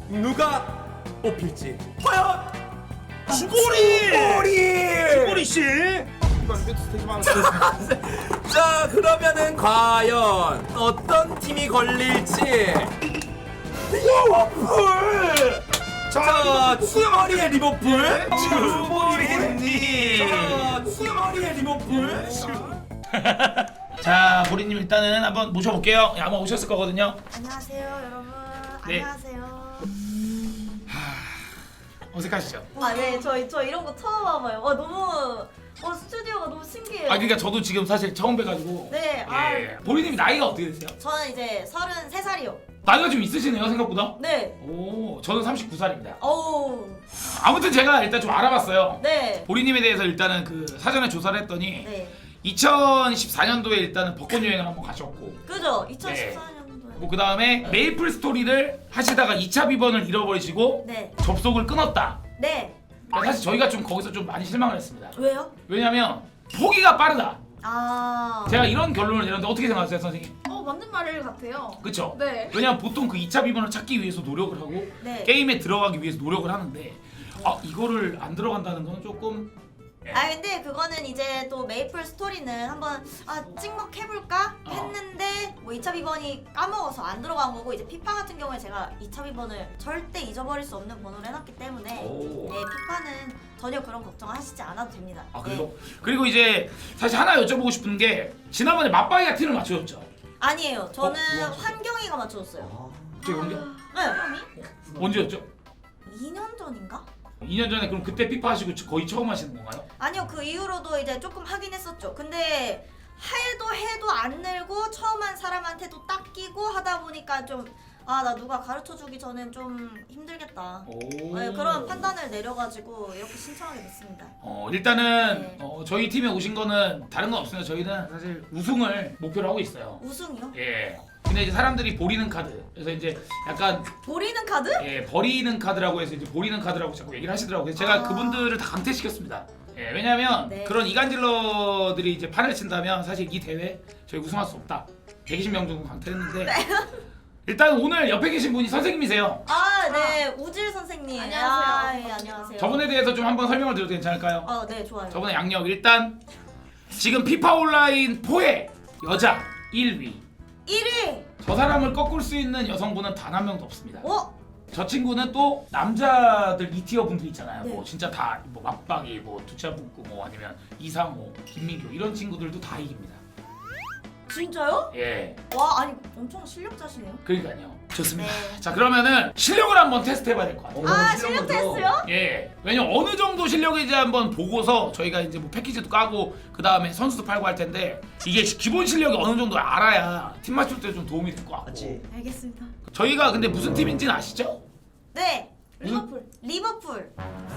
누가 뽑힐지 과연 주보리 씨. 자 그러면은 과연 어떤 팀이 걸릴지. 리버풀. 자 주머리의 리버풀. 주보리님. 자 주머리의 리버풀. 자, 보리님 일단은 한번 모셔볼게요. 예, 아마 오셨을 거거든요. 안녕하세요 여러분. 네. 안녕하세요. 어색하시죠? 네, 저 이런 거 처음 와봐요. 너무 스튜디오가 너무 신기해요. 그러니까 저도 지금 사실 처음 뵈가지고. 네, 예. 보리님 나이가 어떻게 되세요? 저는 이제 33살이요. 나이가 좀 있으시네요, 생각보다. 네. 오, 저는 39살입니다. 어우. 아무튼 제가 일단 좀 알아봤어요. 네. 보리님에 대해서 일단은 그 사전에 조사를 했더니 네. 2014년도에 일단은 벚꽃 여행을 한번 가셨고, 그죠? 네. 2014년도에. 뭐 그 다음에 메이플 스토리를 하시다가 2차 비번을 잃어버리시고 네. 접속을 끊었다. 네. 그러니까 사실 저희가 좀 거기서 좀 많이 실망을 했습니다. 왜요? 왜냐면 포기가 빠르다. 아. 제가 이런 결론을 내렸는데 어떻게 생각하세요, 선생님? 맞는 말 같아요. 그쵸? 네. 왜냐면 보통 그 2차 비번을 찾기 위해서 노력을 하고 네. 게임에 들어가기 위해서 노력을 하는데 이거를 안 들어간다는 건 조금 근데 그거는 이제 또 메이플 스토리는 한번 찍먹해볼까 했는데 뭐 2차 비번이 까먹어서 안 들어간 거고, 이제 피파 같은 경우에 제가 2차 비번을 절대 잊어버릴 수 없는 번호로 해놨기 때문에 오. 네, 피파는 전혀 그런 걱정하시지 않아도 됩니다. 그리고 그리고 이제 사실 하나 여쭤보고 싶은 게 지난번에 맞바이가 팀을 맞춰줬죠. 아니에요. 저는 뭐야? 환경이가 맞춰줬어요. 저 연결 네. 언제였죠? 2년 전인가? 2년 전에 그럼 그때 피파 하시고 거의 처음 하시는 건가요? 아니요, 그 이후로도 이제 조금 하긴 했었죠. 근데 해도 안 늘고 처음 한 사람한테도 딱 끼고 하다 보니까 좀 나 누가 가르쳐주기 전엔 좀 힘들겠다. 네, 그런 판단을 내려가지고 이렇게 신청하게 됐습니다. 일단은 네. 저희 팀에 오신 거는 다른 건 없습니다. 저희는 사실 우승을 목표로 하고 있어요. 우승이요? 예. 근데 이제 사람들이 보리는 카드. 그래서 이제 약간 보리는 카드? 버리는 카드라고 해서 이제 보리는 카드라고 자꾸 얘기를 하시더라고요. 그래서 제가 그분들을 다 강퇴시켰습니다. 예, 왜냐면 네. 그런 이간질러들이 이제 판을 친다면 사실 이 대회 저희 우승할 수 없다. 120명 정도 강퇴했는데 일단 오늘 옆에 계신 분이 선생님이세요. 네, 우질 선생님. 안녕하세요. 예, 안녕하세요. 저분에 대해서 좀 한번 설명을 드려도 괜찮을까요? 네, 좋아요. 저분의 양력 일단 지금 피파 온라인 4의 여자 1위. 1위. 저 사람을 꺾을 수 있는 여성분은 단 한 명도 없습니다. 저 친구는 또 남자들 2티어 분들 있잖아요. 네. 뭐 진짜 다 뭐 맞박이, 뭐 두차붙고, 뭐 아니면 이상호, 김민규 이런 친구들도 다 이깁니다. 진짜요? 예, 와, 아니 엄청 실력자시네요. 그러니까요. 좋습니다. 네. 자 그러면은 실력을 한번 테스트해봐야 될 것 같아요. 실력 테스트요? 예, 왜냐면 어느 정도 실력인지 한번 보고서 저희가 이제 뭐 패키지도 까고 그 다음에 선수도 팔고 할 텐데 이게 기본 실력이 어느 정도 알아야 팀 맞출 때 좀 도움이 될 것 같고. 맞지. 알겠습니다. 저희가 근데 무슨 팀인지는 아시죠? 네. 리버풀. 리버풀.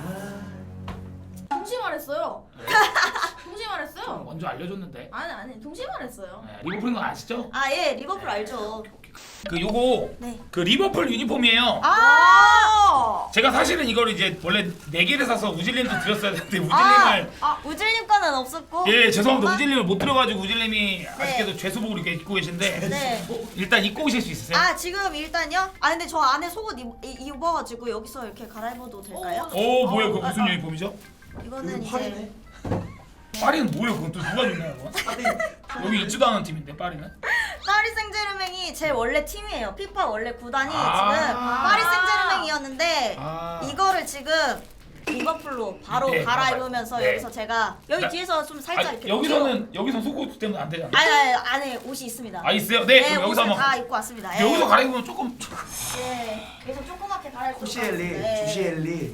동시에 말했어요. 동시에 말했어요. 먼저 알려줬는데. 아니 동시에 말했어요. 네, 리버풀인 거 아시죠? 예, 리버풀 알죠. 그 요거 네. 그 리버풀 유니폼이에요. 제가 사실은 이걸 이제 원래 4개를 사서 우질님도 드렸어야 되는데 우질님을 우질님 거는 없었고. 예 죄송합니다. 우질님을 못 들어가지고 우질님이 아쉽게도 죄수복을 이렇게 입고 계신데 네. 일단 입고 오실 수 있으세요? 지금 일단요. 근데 저 안에 속옷 입어가지고 여기서 이렇게 갈아입어도 될까요? 오 뭐야 그거 무슨 유니폼이죠? 이거는 이제 파리네. 파리는 뭐예요? 그건 또 누가 줬나요? 그거? 여기 있지도 않은 팀인데 파리는? 파리 생제르맹이 제 원래 팀이에요. 피파 원래 구단이 지금 아. 파리 생제르맹이었는데 아. 이거를 지금 리버풀로 바로 네, 갈아입으면서 네. 여기서 제가 여기 나- 뒤에서 좀 살짝 이렇게 여기서 속옷 때문에 안 되잖아. 안에 옷이 있습니다. 있어요? 네, 네, 그럼 여기서 옷을 한번 다 입고 왔습니다. 예. 여기서 갈아입으면 조금 네, 여기서 조그맣게 갈아입고 쿠시엘리, 네. 주시엘리.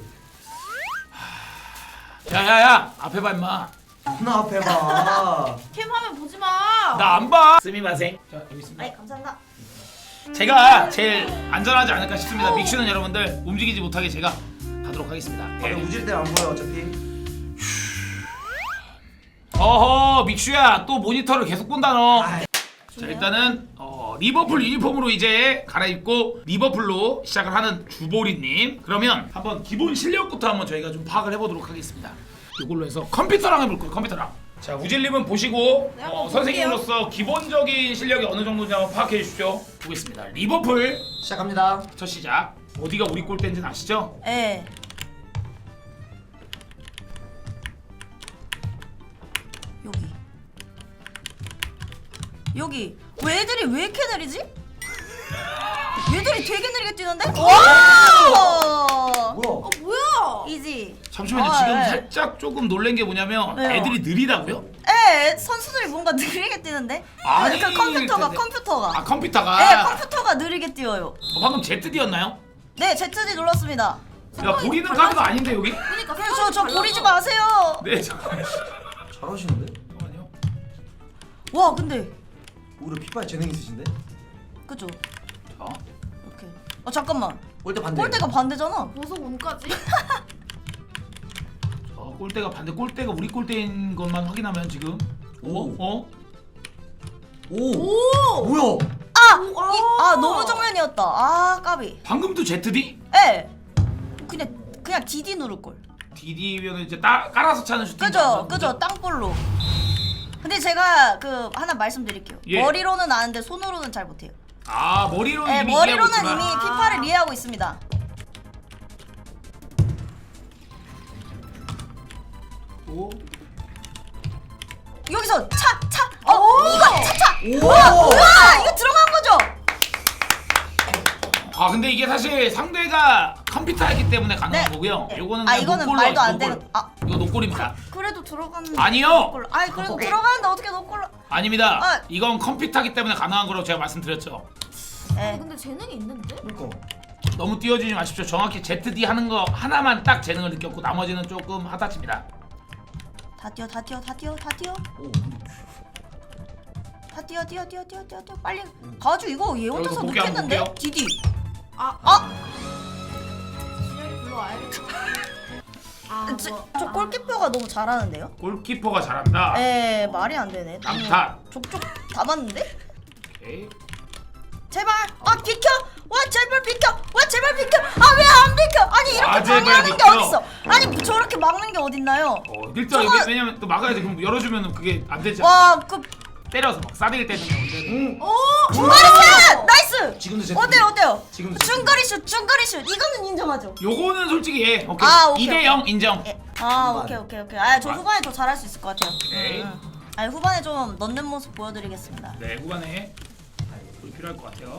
야야야 앞에 봐 임마. 나 앞에 봐. 캠 화면 보지 마. 나 안 봐. 스미마생. 자 여기 있습니다. 아이, 감사합니다. 제가 제일 안전하지 않을까 싶습니다. 믹슈는 여러분들 움직이지 못하게 제가 가도록 하겠습니다. 네. 우질 때안 보여 어차피. 어허 믹슈야 또 모니터를 계속 본다 너. 아이. 자 일단은 리버풀 유니폼으로 이제 갈아입고 리버풀로 시작을 하는 주보리님. 그러면 한번 기본 실력부터 한번 저희가 좀 파악을 해보도록 하겠습니다. 이걸로 해서 컴퓨터랑 해볼 거예요. 컴퓨터랑. 자 우질님은 보시고 네, 한번 선생님으로서 기본적인 실력이 어느 정도인지 한번 파악해 주십시오. 보겠습니다. 리버풀 시작합니다. 첫 시작. 어디가 우리 골대인지는 아시죠? 예. 여기 왜 애들이 왜 이렇게 느리지? 얘들이 되게 느리게 뛰는데? 와! 뭐야? 뭐야? 이지. 잠시만요. 아, 지금 예. 살짝 조금 놀란 게 뭐냐면 왜요? 애들이 느리다고요? 에 선수들이 뭔가 느리게 뛰는데? 아니, 그 컴퓨터가 근데- 컴퓨터가. 아 컴퓨터가. 네, 컴퓨터가 느리게 뛰어요. 방금 ZD였나요? 네, ZD 눌렀습니다. 야 보리는 카드가 아닌데 여기? 그러니까 저 버리지 마세요. 네 잠깐만요. 잘하시는데? 와, 근데 오히려 피파에 재능 있으신데? 그죠? 자, 이렇게. 잠깐만. 골대 반대. 골대가 반대잖아. 보석 운까지? 골대가 반대. 골대가 우리 골대인 것만 확인하면 지금. 오. 어? 오. 뭐야? 너무 정면이었다. 아, 까비. 방금도 ZD? 예. 그냥 DD 누를 걸. DD면 이제 깔아서 차는 슈팅. 그죠? 땅볼로. 근데 제가 그 하나 말씀드릴게요. 예. 머리로는 아는데 손으로는 잘 못해요. 아 머리로는 네, 이미 머리로는 이해하고 이미 있지만. 피파를 이해하고 있습니다. 오. 여기서 차. 이거 차. 오. 뭐야? 이거 들어간 거죠? 아 근데 이게 사실 상대가 컴퓨터이기 때문에 가능한 네. 거고요. 네. 요거는 아, 그냥 이거는 노골로 말도 안 노골. 되는. 아, 이거 노골입니다. 그래도 들어갔는데. 아니요. 노골로. 아니, 그래도 들어가는데 어떻게 노골로? 아닙니다. 아. 이건 컴퓨터이기 때문에 가능한 거라고 제가 말씀드렸죠. 예. 근데 재능이 있는데? 그러니까. 너무 띄워주지 마십시오. 정확히 ZD 하는 거 하나만 딱 재능을 느꼈고 나머지는 조금 하다칩니다. 다 뛰어. 오. 다 뛰어. 빨리 가지고 이거 얘 혼자서 볼게요, 늦겠는데? 볼게요. 디디. 진영이 불러와야겠다. 저 골키퍼가 너무 잘하는데요? 골키퍼가 잘한다. 에 말이 안 되네. 남탓. 족족 다 맞는데? 오케이. 제발. 비켜. 와 제발 비켜. 왜 안 비켜? 아니 이렇게 제발 방해하는 게 비켜. 어딨어? 아니 저렇게 막는 게 어딨나요? 일단 저거- 왜냐면 또 막아야 돼. 그럼 열어주면 그게 안 되지. 와 그 때려서 막 싸대기 때리는 거 원래는. 중거리슛 나이스. 지금도 제. 어때요? 지금도 중거리슛 이거는 인정하죠. 요거는 솔직히 예. 오케이. 아, 오케이, 2대0 인정. 예. 후반. 오케이. 저 후반에 더 잘할 수 있을 것 같아요. 오케이. 아니 후반에 좀 넣는 모습 보여드리겠습니다. 네 후반에 볼 필요할 것 같아요.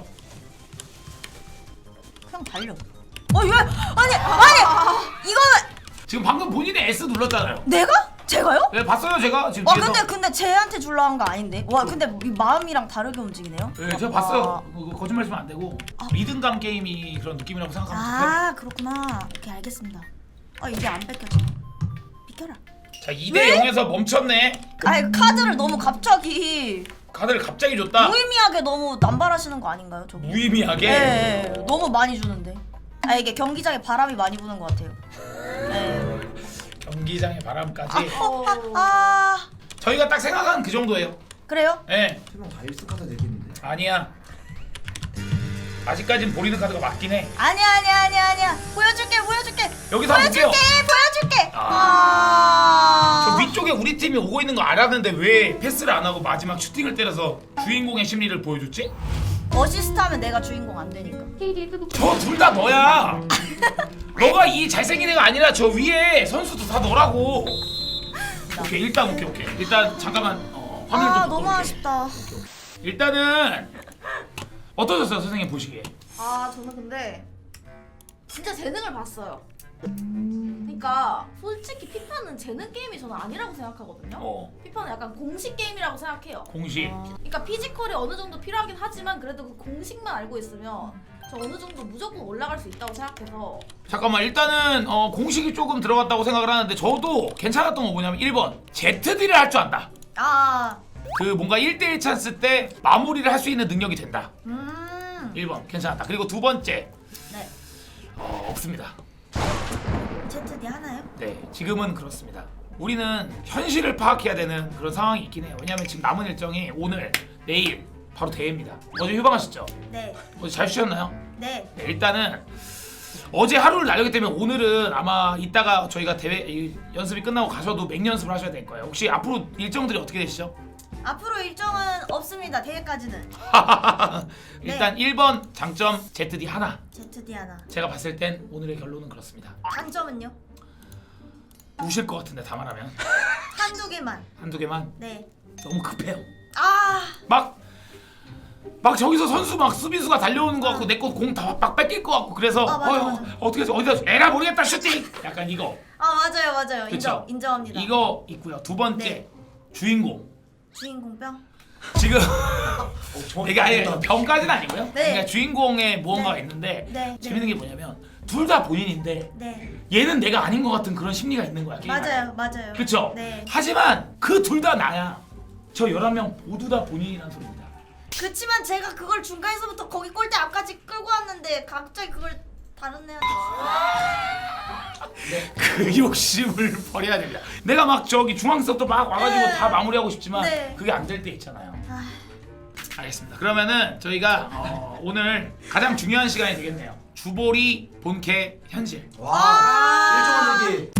그냥 달려. 왜? 아니 이거는 지금 방금 본인이 S 눌렀잖아요. 내가? 제가요? 네 봤어요 제가 지금 와 뒤에서. 근데 쟤한테 줄라 한 거 아닌데? 와 근데 이 마음이랑 다르게 움직이네요? 네 제가 봤어요. 그거 거짓말 쓰면 안 되고 리듬감 게임이 그런 느낌이라고 생각하면 좋겠어요. 그렇구나. 오케이 알겠습니다. 이게 안 뺏겨져. 비켜라. 자 2대0에서 멈췄네. 아니 카드를 너무 갑자기 카드를 갑자기 줬다. 무의미하게 너무 남발하시는 거 아닌가요 저기? 무의미하게. 네, 너무 많이 주는데. 이게 경기장에 바람이 많이 부는 것 같아요. 네. 경기장의 바람까지. 저희가 딱 생각한 그 정도예요. 그래요? 예. 세명 다 1승 카드 내겠는데. 아니야. 아직까진 보리는 카드가 맞긴 해. 아니야. 보여줄게. 여기서 한번 볼게요. 보여줄게. 저 위쪽에 우리 팀이 오고 있는 거 알았는데 왜 패스를 안 하고 마지막 슈팅을 때려서 주인공의 심리를 보여줬지? 어시스트 하면 내가 주인공 안 되니까. 저 둘 다 너야. 너가 이 잘생긴 애가 아니라 저 위에 선수도 다 너라고. 오케이 일단 오케이. 일단 잠깐만 화면 좀 너무 바꿔볼게. 아쉽다. 일단은 어떠셨어요 선생님 보시기에? 저는 근데 진짜 재능을 봤어요. 그러니까 솔직히 피파는 재능 게임이 저는 아니라고 생각하거든요. 피파는 약간 공식 게임이라고 생각해요. 공식. 그러니까 피지컬이 어느 정도 필요하긴 하지만 그래도 그 공식만 알고 있으면 저 어느 정도 무조건 올라갈 수 있다고 생각해서. 잠깐만 일단은 공식이 조금 들어갔다고 생각을 하는데 저도 괜찮았던 거 뭐냐면 1번 ZD를 할 줄 안다. 그 뭔가 1대1 찬스 때 마무리를 할 수 있는 능력이 된다. 1번 괜찮았다. 그리고 두 번째 네. 없습니다. ZD 하나요? 네 지금은 그렇습니다. 우리는 현실을 파악해야 되는 그런 상황이 있긴 해요. 왜냐면 지금 남은 일정이 오늘 내일 바로 대회입니다. 어제 휴방하셨죠? 네. 어제 잘 쉬셨나요? 네. 네, 일단은 어제 하루를 날렸기 때문에 오늘은 아마 이따가 저희가 대회 연습이 끝나고 가셔도 맹연습을 하셔야 될 거예요. 혹시 앞으로 일정들이 어떻게 되시죠? 앞으로 일정은 없습니다. 대회까지는. 일단 1번 장점 ZD 하나. ZD 하나. 제가 봤을 땐 오늘의 결론은 그렇습니다. 단점은요? 우실 것 같은데 다 말하면 한두 개만. 한두 개만. 네. 너무 급해요. 아, 막 저기서 선수 막 수비수가 달려오는 것 같고 내 거 공 다 막 뺏길 것 같고 그래서 맞아. 어떻게 해서 어디다 에라 모르겠다 슈팅 약간 이거 맞아요. 그쵸? 인정합니다. 이거 있고요. 두 번째 네. 주인공 주인공병? 지금 정확히 이게 아예 알겠다. 병까지는 아니고요. 네. 그러니까 주인공의 무언가가 네. 있는데 네. 재밌는 게 뭐냐면 둘 다 본인인데 네. 얘는 내가 아닌 것 같은 그런 심리가 있는 거야. 게임 안에. 맞아요. 그쵸? 네. 하지만 그 둘 다 나야. 저 11명 모두 다 본인이란 소리입니다. 그치만 제가 그걸 중간에서부터 거기 골대 앞까지 끌고 왔는데 갑자기 그걸 다른 애한테 그 욕심을 버려야 됩니다. 내가 막 저기 중앙서부터 막 와가지고 네. 다 마무리하고 싶지만 네. 그게 안 될 때 있잖아요. 아, 알겠습니다. 그러면은 저희가 오늘 가장 중요한 시간이 되겠네요. 주보리 본캐 현실. 와. 일정한 얘기.